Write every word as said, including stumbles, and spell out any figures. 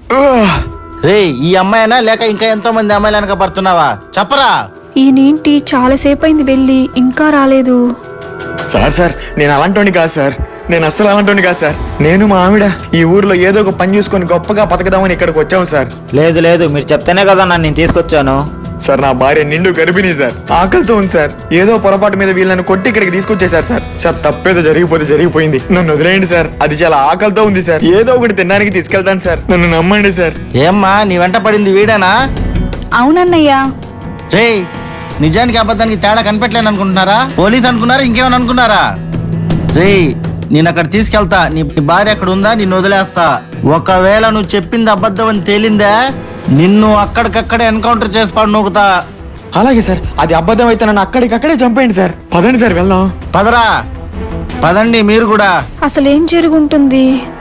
రే ఈ అమ్మాయినా లేక ఇంకా ఎంతో మంది అమ్మాయిలు వెనక పడుతున్నావా చెప్పరా? ఈయనేంటి చాలాసేపు అయింది వెళ్ళి ఇంకా రాలేదు. సార్ సార్ నేను అలాంటోని కాదు సార్, నేను అస్సలు అలాంటోని కాదు సార్. నేను మా ఆవిడ ఈ ఊర్లో ఏదో ఒక పని చూసుకొని గొప్పగా బతకదామని ఇక్కడికి వచ్చాము సార్. లేదు లేదు మీరు చెప్తేనే కదా నన్ను నేను తీసుకొచ్చాను. సార్ నా భార్య నిండు గర్భిణీ సార్, ఆకలితో ఉంది సార్. ఏదో పొరపాటు మీద వీళ్ళని కొట్టి ఇక్కడికి తీసుకొచ్చేసారు సార్. సార్ తప్పేదో జరిగిపోతే జరిగిపోయింది, నన్ను వదిలేయండి సార్. అది చాలా ఆకలితో ఉంది సార్, ఏదో ఒకటి తినడానికి తీసుకెళ్తాను సార్, నన్ను నమ్మండి సార్. ఏమ్మా నీ వెంట పడింది వీడేనా? అవునన్నయ్యా. రే నిజానికి అబద్ధానికి తేడా కనిపెట్టలేను అనుకుంటున్నారా? పోలీస్ అనుకున్నారా ఇంకేమని అనుకున్నారా? రే నేను అక్కడ తీసుకెళ్తా, నీ భార్య అక్కడ ఉందా నిన్ను వదిలేస్తా. ఒకవేళ నువ్వు చెప్పింది అబద్ధం అని తేలిందా నిన్ను అక్కడికక్కడే ఎన్కౌంటర్ చేసి పడి నూకుతా. అలాగే సార్, అది అబద్ధం అయితే నన్ను అక్కడికక్కడే చంపేయండి సార్. పదండి సార్ వెళ్దాం. పదరా పదండి మీరు కూడా. అసలేం జరుగుంటుంది?